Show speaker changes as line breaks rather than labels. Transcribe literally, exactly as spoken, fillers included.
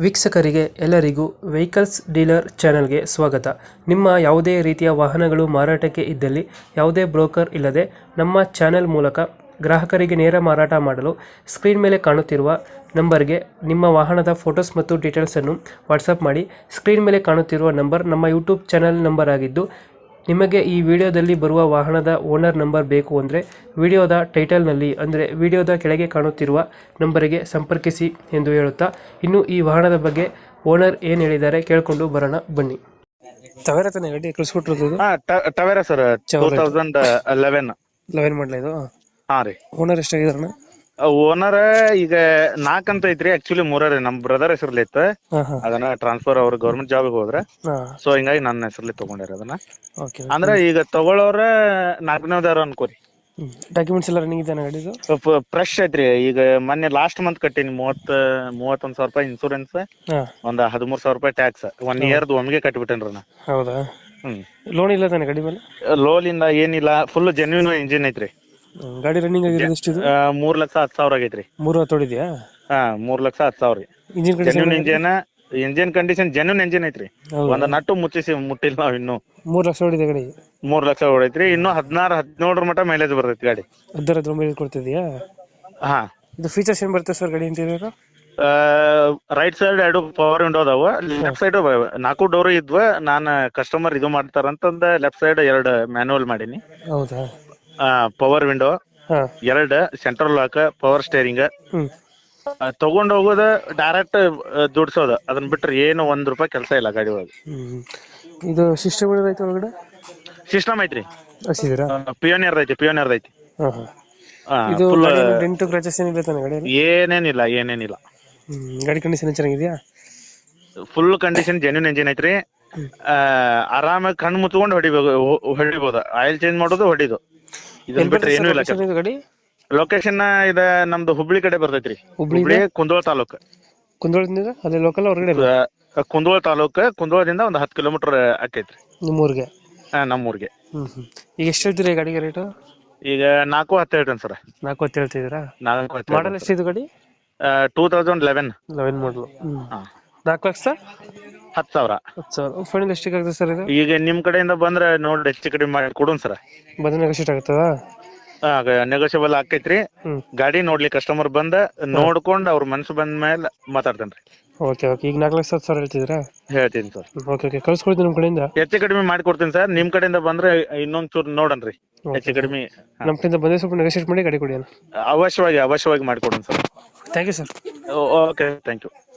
ವೀಕ್ಷಕರಿಗೆ ಎಲ್ಲರಿಗೂ vehicles dealer ಚಾನೆಲ್ಗೆ ಸ್ವಾಗತ. ನಿಮ್ಮ ಯಾವುದೇ ರೀತಿಯ ವಾಹನಗಳು ಮಾರಾಟಕ್ಕೆ ಇದ್ದಲ್ಲಿ ಯಾವುದೇ ಬ್ರೋಕರ್ ಇಲ್ಲದೆ ನಮ್ಮ ಚಾನೆಲ್ ಮೂಲಕ ಗ್ರಾಹಕರಿಗೆ ನೇರ ಮಾರಾಟ ಮಾಡಲು ಸ್ಕ್ರೀನ್ ಮೇಲೆ ಕಾಣುತ್ತಿರುವ ನಂಬರ್ಗೆ ನಿಮ್ಮ ವಾಹನದ ಫೋಟೋಸ್ ಮತ್ತು ಡೀಟೇಲ್ಸನ್ನು ವಾಟ್ಸಪ್ ಮಾಡಿ. ಸ್ಕ್ರೀನ್ ಮೇಲೆ ಕಾಣುತ್ತಿರುವ ನಂಬರ್ ನಮ್ಮ ಯೂಟ್ಯೂಬ್ ಚಾನೆಲ್ ನಂಬರ್ ಆಗಿದ್ದು, ನಿಮಗೆ ಈ ವಿಡಿಯೋದಲ್ಲಿ ಬರುವ ವಾಹನದ ಓನರ್ ನಂಬರ್ ಬೇಕು ಅಂದರೆ ವಿಡಿಯೋದ ಟೈಟಲ್ನಲ್ಲಿ ಅಂದರೆ ವಿಡಿಯೋದ ಕೆಳಗೆ ಕಾಣುತ್ತಿರುವ ನಂಬರಿಗೆ ಸಂಪರ್ಕಿಸಿ ಎಂದು ಹೇಳುತ್ತಾ, ಇನ್ನು ಈ ವಾಹನದ ಬಗ್ಗೆ ಓನರ್ ಏನು ಹೇಳಿದ್ದಾರೆ ಕೇಳಿಕೊಂಡು ಬರೋಣ ಬನ್ನಿ. ತವೇರ ತಾನೆ ಗಾಡಿ ಕಳಿಸ್ಕೊಟ್ಟಿರೋದು?
ಹಾ Tavera sir, two thousand eleven
eleven ಮಾಡಲ ಇದು?
ಹಾ ರೀ.
ಓನರ್ ಎಷ್ಟಾಗಿದಾರಣ?
ಓನರ್ ಈಗ ನಾಲ್ಕ್ ಅಂತ ಐತ್ರಿ, ಆಕ್ಚುಲಿ ಮೂರರಿ ನಮ್ ಬ್ರದರ್ ಹೆಸರ್ಲಿ ಇತ್ತು. ಅದನ್ನ ಟ್ರಾನ್ಸ್ಫರ್ ಅವ್ರ ಗೌರ್ಮೆಂಟ್ ಜಾಬ್ ಹೋದ್ರ, ಸೊ ಹಿಂಗಾಗಿ ನನ್ನ ಹೆಸರ್ಲಿ ತಗೊಂಡ್ಯಾರ ಅದನ್ನ. ಅಂದ್ರೆ ಈಗ ತಗೊಳ್ಳೋರ ನಾಲ್ಕನೇದಾರ ಅನ್ಕೋರಿ.
ಡಾಕ್ಯುಮೆಂಟ್ಸ್ ಎಲ್ಲ ರನ್ನಿಂಗ್ ಇದೆ ಗಾಡಿದು?
ಫ್ರೆಶ್ ಐತ್ರಿ. ಈಗ ಮೊನ್ನೆ ಲಾಸ್ಟ್ ಮಂತ್ ಕಟ್ಟಿನಿ ಮೂವತ್ ಮೂವತ್ತೊಂದ್ ಸಾವಿರ ರೂಪಾಯಿ ಇನ್ಸೂರೆನ್ಸ್, ಒಂದ್ ಹದಿಮೂರ್ ಸಾವಿರ ರೂಪಾಯಿ ಟ್ಯಾಕ್ಸ್, ಒನ್ ಇಯರ್ದು ಒಮ್ಗೆ ಕಟ್ಬಿಟ್ಟೇನ್ರಿ ನಾ.
ಹೌದಾ?
ಹ್ಮ್.
ಲೋನ್ ಇಲ್ಲ ತಾನೆ ಗಾಡಿ ಮೇಲೆ?
ಲೋನ್ ಇಂದ ಏನಿಲ್ಲ, ಫುಲ್ ಜೆನ್ಯೂನ್ ಇಂಜಿನ್ ಐತ್ರಿ.
ಗಾಡಿ ರನ್ನಿಂಗ್ ಆಗಿರೋದು ಎಷ್ಟು?
ಮೂರ್ ಲಕ್ಷ ಹತ್ತು ಸಾವಿರ ಆಗೈತ್ರಿ.
ಮೂರು ಹತ್ತೋಡಿದ್ಯಾ?
ಹಾ, ಮೂರ್ ಲಕ್ಷ ಹತ್ತು ಸಾವಿರ ರೀ.
Engine
genuine engine, engine condition genuine engine ಐತ್ರಿ. ಒಂದ್ ನಟ್ಟು ಮುಚ್ಚಿಸಿ ಮುಟ್ಟಿಲ್ಲ ನಾವ್ ಇನ್ನು.
ಮೂರ್ ಲಕ್ಷ ಹೊಡಿದೆ ಗಾಡಿ?
ಮೂರ್ ಲಕ್ಷ ಹೊಡೈತ್ರಿ. ಇನ್ನು ಹದಿನಾರು ಹದಿನೇಳರ ಮಟ್ಟ ಮೈಲೇಜ್ ಬರ್ತೈತಿ ಗಾಡಿ.
ಹದಿನಾರು ಹದಿನೇಳು ಮೈಲೇಜ್ ಕೊಡ್ತಿದ್ಯಾ?
ಹಾ.
ಇದು ಫೀಚರ್ಸ್ ಏನ್ ಬರುತ್ತೆ ಸರ್ ಗಾಡಿ ಇಂಟೀರಿಯರ್?
ರೈಟ್ ಸೈಡ್ ಎರಡು ಪವರ್ ವಿಂಡೋ ಅದಾವ, ಲೆಫ್ಟ್ ಸೈಡ್ ನಾಲ್ಕು ಡೋರ್ ಇದ್ವ. ನಾನ್ ಕಸ್ಟಮರ್ ಇದು ಮಾಡ್ತಾರಂತಂದ ಲೆಫ್ಟ್ ಸೈಡ್ ಎರಡು ಮ್ಯಾನುವಲ್ ಮಾಡೀನಿ.
ಹೌದಾ?
ಪವರ್ ವಿಂಡೋ ಎರಡ್, ಸೆಂಟ್ರಲ್ ಲಾಕ್, ಪವರ್ ಸ್ಟೇರಿಂಗ್. ತಗೊಂಡ್ ಹೋಗೋದ ಡೈರೆಕ್ಟ್ ದುಡ್ಸೋದ, ಅದನ್ನ ಬಿಟ್ರೆ ಏನು ಒಂದ್ ರೂಪಾಯಿ ಕೆಲಸ ಇಲ್ಲ ಗಾಡಿ ಒಳಗೆ.
ಇದು ಸಿಸ್ಟಮ್ ಐತಿ ಒಳಗಡೆ?
ಸಿಸ್ಟಮ್ ಐತ್ರಿ,
ಹಸಿದೀರಾ?
ಪಿಯೋನಿಯರ್ ಐತಿ, ಪಿಯೋನಿಯರ್ ಐತಿ.
ಇದು ಡೆಂಟು ಕ್ರಾಚಸ್ ಏನಿಲ್ಲ ತಾನೆ ಗಾಡಿ?
ಏನೇನಿಲ್ಲ, ಏನೇನಿಲ್ಲ.
ಗಾಡಿ ಕಂಡೀಷನ್ ಚೆನ್ನಾಗಿದ್ಯಾ?
ಫುಲ್ ಕಂಡೀಷನ್ ಜೆನ್ಯೂನ್ ಇಂಜಿನ್ ಐತ್ರಿ. ಆರಾಮಾಗಿ ಕಣ್ಣು ಮುಚ್ಕೊಂಡು ಹೊಡಿಬೇಕು, ಹೊಡಿಬೋದ. ಆಯಿಲ್ ಚೇಂಜ್ ಮಾಡೋದು, ಹೊಡಿದು. ಇದನ್ನ ಬಿಟ್ರೆ ಏನೂ ಇಲ್ಲ.
ಗಾಡಿ
ಲೊಕೇಶನ್ ಇದ ನಮ್ದು ಹುಬ್ಳಿ ಕಡೆ ಬರ್ತೈತ್ರಿ. ಹುಬ್ಳಿ ಕುಂದೋಳ ತಾಲೂಕ್.
ಕುಂದೋಳದಿಂದ ಅದೇ ಲೋಕಲ್ ಹೊರಗಡೆ?
ಕುಂದೋಳ ತಾಲೂಕ್, ಕುಂದೋಳದಿಂದ ಒಂದ್ ಹತ್ತು ಕಿಲೋಮೀಟರ್ ಆಕೈತ್ರಿ
ನಿಮ್ಮೂರ್ಗೆ.
ಹಾ, ನಮ್ಮೂರ್ಗೆ.
ಹ್ಮ್ ಹ್ಮ್ ಈಗ ಎಷ್ಟು ಹೇಳ್ತೀರಿ ಗಾಡಿಗೆ ರೇಟು?
ಈಗ ನಾಲ್ಕು ಹತ್ತು ಹೇಳ್ತೇನೆ ಸರ್.
ನಾಲ್ಕು ಹತ್ತು ಹೇಳ್ತಿದ್ದೀರಾ?
ನಾಲ್ಕು ಹತ್ತು.
ಮಾಡಲ್ ಎಷ್ಟಿದು ಗಾಡಿ?
ಟೂ ತೌಸಂಡ್ ಲೆವೆನ್
ಲೆವೆನ್ ಮಾಡಲು. ನಾಲ್ಕು ಲಕ್ಷ
ಹತ್ತು ಸಾವಿರ.
ಹತ್ತು ಸಾವಿರ ಫೈನಲ್ ಎಷ್ಟಿಗೆ ಆಗುತ್ತೆ ಸರ್ ಇದು?
ಈಗ ನಿಮ್ ಕಡೆಯಿಂದ ಬಂದ್ರೆ ನೋಡಿ ಹೆಚ್ಚು ಕಡಿಮೆ ಮಾಡಿ ಕೊಡೋಣ ಸರ್.
ಬಂದ್ರೆ ನೆಗೋಷಿಯೇಟ್ ಆಗುತ್ತದಾ?
ನೆಗೋಷಿಯಬಲ್ ಆಕೈತ್ರಿ. ಗಾಡಿ ನೋಡ್ಲಿ ಕಸ್ಟಮರ್ ಬಂದ ನೋಡ್ಕೊಂಡ್ ಅವ್ರ ಮನ್ಸು ಬಂದ ಮೇಲೆ ಮಾತಾಡ್ತೇನ್ರಿ.
Okay okay. ಈಗ ನಾಲ್ಕು ಲಕ್ಷ ಹತ್ತು ಸಾವಿರ ಹೇಳ್ತಿದ್ದೀರಾ?
ಹೇಳ್ತೀನಿ ಸರ್.
ಓಕೆ ಓಕೆ, ಕಳ್ಸ್ಕೊಡ್ತೀನಿ ನಮ್ಮ ಕಡೆಯಿಂದ.
ಹೆಚ್ಚು ಕಡಿಮೆ ಮಾಡಿ ಕೊಡ್ತೀನಿ ಸರ್. ನಿಮ್ ಕಡೆಯಿಂದ ಬಂದ್ರೆ ಇನ್ನೊಂದ್ ಚೂರು ನೋಡನ್ರಿ, ಹೆಚ್ಚು ಕಡಿಮೆ.
ನಮ್ಮ ಕಡೆಯಿಂದ ಬಂದ್ರೆ ಸ್ವಲ್ಪ ನೆಗೋಷಿಯೇಟ್ ಮಾಡಿ ಗಾಡಿ ಕೊಡಿ.
ಅವಶ್ಯವಾಗಿ ಅವಶ್ಯವಾಗಿ ಮಾಡಿಕೊಡೋಣ sir.
Thank you sir.
Okay, thank you.